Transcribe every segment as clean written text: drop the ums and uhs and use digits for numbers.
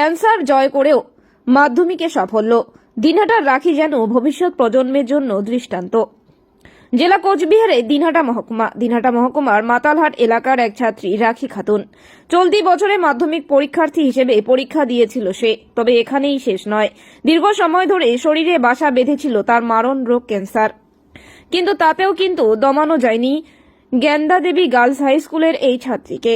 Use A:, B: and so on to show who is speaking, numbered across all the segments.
A: Cancer জয় করেও মাধ্যমিকে সাফল্য। দিনহাটার রাখি যেন ভবিষ্যৎ প্রজন্মের জন্য দৃষ্টান্ত। জেলা কোচবিহারে দিনহাটা মহকুমার মাতালহাট এলাকার এক ছাত্রী রাখি খাতুন চলতি বছরে মাধ্যমিক পরীক্ষার্থী হিসেবে পরীক্ষা দিয়েছিল সে। তবে এখানেই শেষ নয়, দীর্ঘ সময় ধরে শরীরে বাসা বেঁধেছিল তার মারণ রোগ ক্যান্সার। কিন্তু তাতেও দমানো যায়নি জ্ঞানদা দেবী গার্লস হাই স্কুলের এই ছাত্রীকে।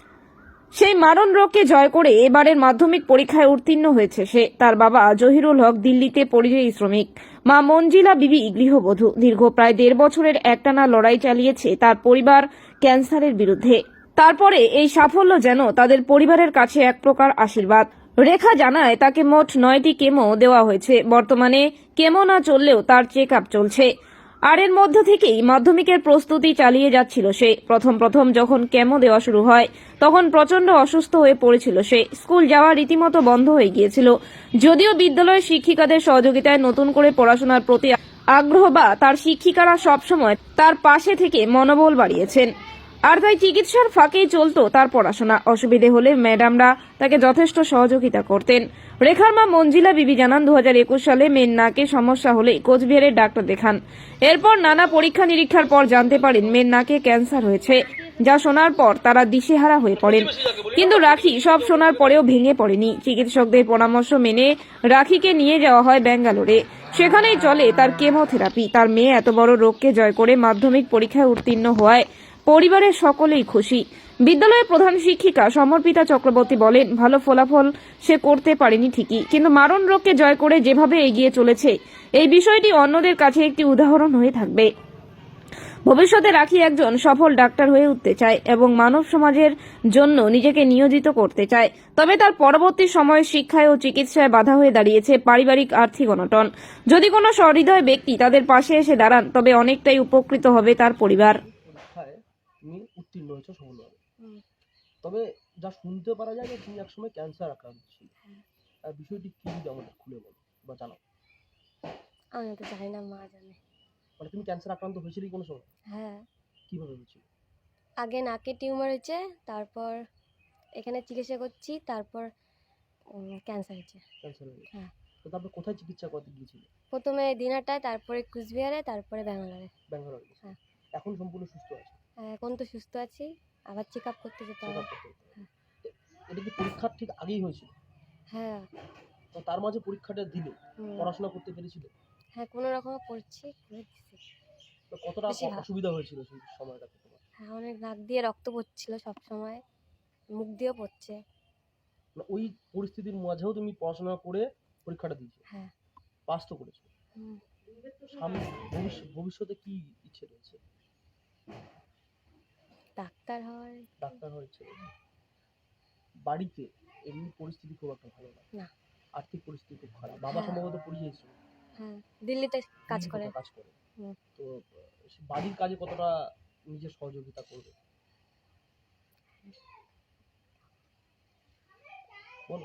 A: সেই মারণ রোগকে জয় করে এবারের মাধ্যমিক পরীক্ষায় উত্তীর্ণ হয়েছে সে। তার বাবা জহিরুল হক দিল্লিতে পরিযায়ী শ্রমিক, মা মঞ্জিলা বিবি গৃহবধূ। দীর্ঘ প্রায় 1.5 বছরের একটানা লড়াই চালিয়েছে তার পরিবার ক্যান্সারের বিরুদ্ধে। তারপরে এই সাফল্য যেন তাদের পরিবারের কাছে এক প্রকার আশীর্বাদ। রেখা জানায় তাকে মোট 9টি কেমো দেওয়া হয়েছে। বর্তমানে কেমো না চললেও তার চেক আপ চলছে। আর এর মধ্য থেকেই মাধ্যমিকের প্রস্তুতি চালিয়ে যাচ্ছিল সে। প্রথম যখন কেমো দেওয়া শুরু হয় তখন প্রচন্ড অসুস্থ হয়ে পড়েছিল সে। স্কুল যাওয়া রীতিমতো বন্ধ হয়ে গিয়েছিল। যদিও বিদ্যালয়ের শিক্ষিকাদের সহযোগিতায় নতুন করে পড়াশোনার প্রতি আগ্রহ বা তার শিক্ষিকারা সবসময় তার পাশে থেকে মনোবল বাড়িয়েছেন। আর তাই চিকিৎসার ফাঁকেই চলতো তার পড়াশোনা। অসুবিধে হলে ম্যাডামরা তাকে যথেষ্ট সহযোগিতা করতেন। রেখার মা মঞ্জিলা বিবি জানান 2021 সালে মেয়ের নাকে সমস্যা হলে কোচবিহারের ডাক্তার দেখান। এরপর নানা পরীক্ষা নিরীক্ষার পর জানতে পারেন মেয়ের নাকে ক্যান্সার হয়েছে। যা শোনার পর তারা দিশেহারা হয়ে পড়েন। কিন্তু রাখি সব শোনার পরেও ভেঙে পড়েনি। চিকিৎসকদের পরামর্শ মেনে রাখিকে নিয়ে যাওয়া হয় ব্যাঙ্গালোরে। সেখানেই চলে তার কেমোথেরাপি। তার মেয়ে এত বড় রোগকে জয় করে মাধ্যমিক পরীক্ষায় উত্তীর্ণ হওয়ায় পরিবারের সকলেই খুশি। বিদ্যালয়ের প্রধান শিক্ষিকা সমর্পিতা চক্রবর্তী বলেন, ভালো ফলাফল সে করতে পারেনি ঠিকই, কিন্তু মারণ রোগকে জয় করে যেভাবে এগিয়ে চলেছে এই বিষয়টি অন্যদের কাছে একটি উদাহরণ হয়ে থাকবে। ভবিষ্যতে রাখি একজন সফল ডাক্তার হয়ে উঠতে চায় এবং মানব সমাজের জন্য নিজেকে নিয়োজিত করতে চায়। তবে তার পরবর্তী সময়ে শিক্ষায় ও চিকিৎসায় বাধা হয়ে দাঁড়িয়েছে পারিবারিক আর্থিক অনটন। যদি কোনো সহৃদয় ব্যক্তি তাদের পাশে এসে দাঁড়ান তবে অনেকটাই উপকৃত হবে তার পরিবার।
B: তুমি উত্তীর্ণ হয়েছো সফলভাবে, তবে যা শুনতে পারা যায় যে তুমি একসময় ক্যান্সার আক্রান্ত ছিলে। বিষয়টি কি যদি আমাদের খুলে বলো বা জানাও।
C: আমি তো জানি না, মা জানে।
B: মানে তুমি ক্যান্সার আক্রান্ত হয়েছিলে কোনো সময়?
C: হ্যাঁ,
B: কিভাবে হয়েছিল?
C: আগে নাকে টিউমার হয়েছে, তারপর এখানে চিকিৎসা করছি, তারপর ক্যান্সার হয়েছে।
B: ক্যান্সার হয়েছে?
C: হ্যাঁ।
B: তো তারপরে কোথায় চিকিৎসা করতে গিয়েছিলে?
C: প্রথমে দিনহাটায়, তারপরে কুচবিহারে, তারপরে ব্যাঙ্গালোরে।
B: ব্যাঙ্গালোর?
C: হ্যাঁ।
B: এখন সম্পূর্ণ সুস্থ আছে?
C: হ্যাঁ, এখন তো সুস্থ আছি, আবার চেক আপ করতে যেতে হবে।
B: এটা কি পরীক্ষার ঠিক আগেই হয়েছিল?
C: হ্যাঁ।
B: তো তার মাঝে পরীক্ষাটা দিলে পড়াশোনা করতে পেরেছিলে?
C: হ্যাঁ, কোনো রকমে পড়ছি, করে দিচ্ছি।
B: তো কতটা অসুবিধা হয়েছিল সেই সময়টাতে তোমার?
C: হ্যাঁ, অনেক নাক দিয়ে রক্ত পড়ছিল সব সময়, মুখ দিয়েও পড়ছে।
B: ওই পরিস্থিতির মাঝেও তুমি পড়াশোনা করে পরীক্ষাটা দিয়েছো?
C: হ্যাঁ।
B: পাস তো করেছো। সামনে ভবিষ্যতে কি ইচ্ছে রয়েছে?
C: ডাক্তার হওয়ার।
B: ডাক্তার হওয়ার ইচ্ছে রয়েছে। বাড়িতে এমনি পরিস্থিতি খুব একটা ভালো না, আর্থিক পরিস্থিতি খুব খারাপ। বাবা সম্ভবত পরিযায়ী শ্রমিক।
C: হ্যাঁ, দিল্লিতে কাজ করে।
B: তো বাড়ির কাজে কতটা নিজের সহযোগিতা করবে বলো?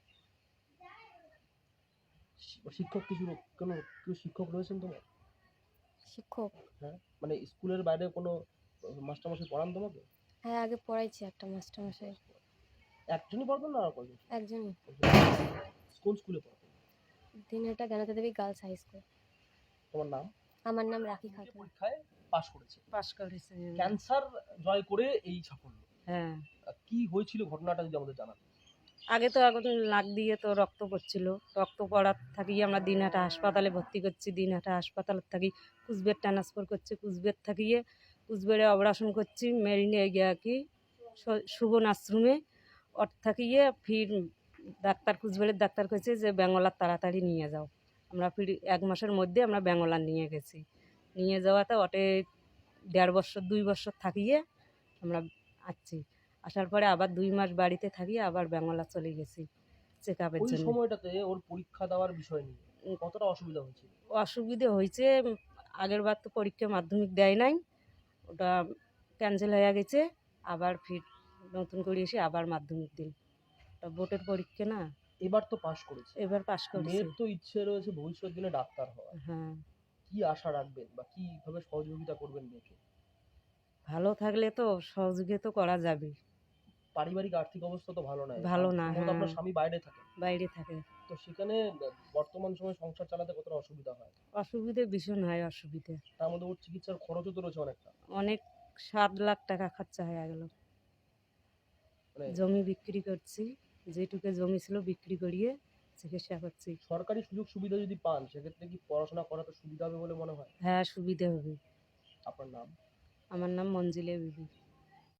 B: শিক্ষক কেউ শিক্ষক রয়েছেন তোমার?
C: শিক্ষক?
B: হ্যাঁ, মানে স্কুলের বাইরে কোনো মাস্টারমশাই পড়ান তোমাকে?
C: হ্যাঁ, আগে পড়াইছি একটা মাস্টারমশাই।
B: একজনই পড়াতেন না আর কয়জন?
C: একজনই।
B: কোন স্কুলে পড়াতেন?
C: Dinhata Gyanada Debi girls high school.
B: তোমার নাম?
C: আমার নাম রাখি খাতুন।
B: পরীক্ষায় পাস করেছে।
D: হ্যাঁ।
B: ক্যান্সার জয় করে এই সাফল্য।
D: হ্যাঁ,
B: কি হয়েছিল ঘটনাটা যদি আমাদের জানান।
D: আগে নাক দিয়ে তো রক্ত পড়ছিল। রক্ত পড়ার থাকি আমরা দিনহাটা হাসপাতালে ভর্তি করছি। দিনহাটা হাসপাতালের থাকি কুচবিহার ট্রান্সফার করছি। কুচবিহার থাকিয়ে কুচবিহারে অপারেশন করছি। মেরিনে গিয়া কি সুবন আশ্রমে ওর থাকিয়ে ফির ডাক্তার কুচবিহারের ডাক্তার কইছে যে ব্যাঙ্গলার তাড়াতাড়ি নিয়ে যাও। আমরা ফির 1 মাসের মধ্যে আমরা ব্যাঙ্গলার নিয়ে গেছি। নিয়ে যাওয়াতে ওটে 1.5 বছর 2 বছর থাকিয়ে আমরা আসছি। আসার পরে আবার 2 মাস বাড়িতে থাকি, আবার ব্যাঙ্গলা চলে গেছি চেক আপের জন্য।
B: ওই সময়টাতে ওর পরীক্ষা দেওয়ার বিষয় নিয়ে কতটা অসুবিধা হয়েছিল?
D: অসুবিধে হয়েছে, আগের বার তো পরীক্ষা মাধ্যমিক দেয় নাই, ওটা ক্যান্সেল হয়ে গেছে। আবার ফির নতুন করে এসে আবার মাধ্যমিক দিন। ওটা বোর্ডের পরীক্ষা না।
B: এবার তো পাস করেছে।
D: এবার পাস করেছে।
B: মেয়ের তো ইচ্ছে রয়েছে ভবিষ্যৎ দিনে ডাক্তার হওয়ার।
D: হ্যাঁ।
B: কি আশা রাখবেন বা কিভাবে সহযোগিতা করবেন মেয়েকে?
D: ভালো থাকলে তো সহযোগিতা করা যাবে।
B: পারিবারিক আর্থিক অবস্থা তো ভালো নয়।
D: ভালো না,
B: সম্ভবত
D: হ্যাঁ।
B: আপনার স্বামী বাইরে থাকে।
D: বাইরে থাকে।
B: তো সেখানে বর্তমান সময়ে সংসার চালাতে কতটা অসুবিধা হয়?
D: অসুবিধে ভীষণ হয়, অসুবিধে।
B: তার মধ্যে ওর চিকিৎসার খরচও তো রয়েছে অনেকটা।
D: অনেক 7 লাখ টাকা খরচা হয়ে গেল।
B: মানে
D: জমি বিক্রি করছি, যেটুকু জমি ছিল বিক্রি করিয়ে চিকিৎসা করছি।
B: সরকারি সুযোগ সুবিধা যদি পান সেক্ষেত্রে কি পড়াশোনা করাতে সুবিধা হবে বলে মনে হয়?
D: হ্যাঁ, সুবিধে হবে।
B: আপনার নাম?
D: আমার নাম মঞ্জিলা বিবি।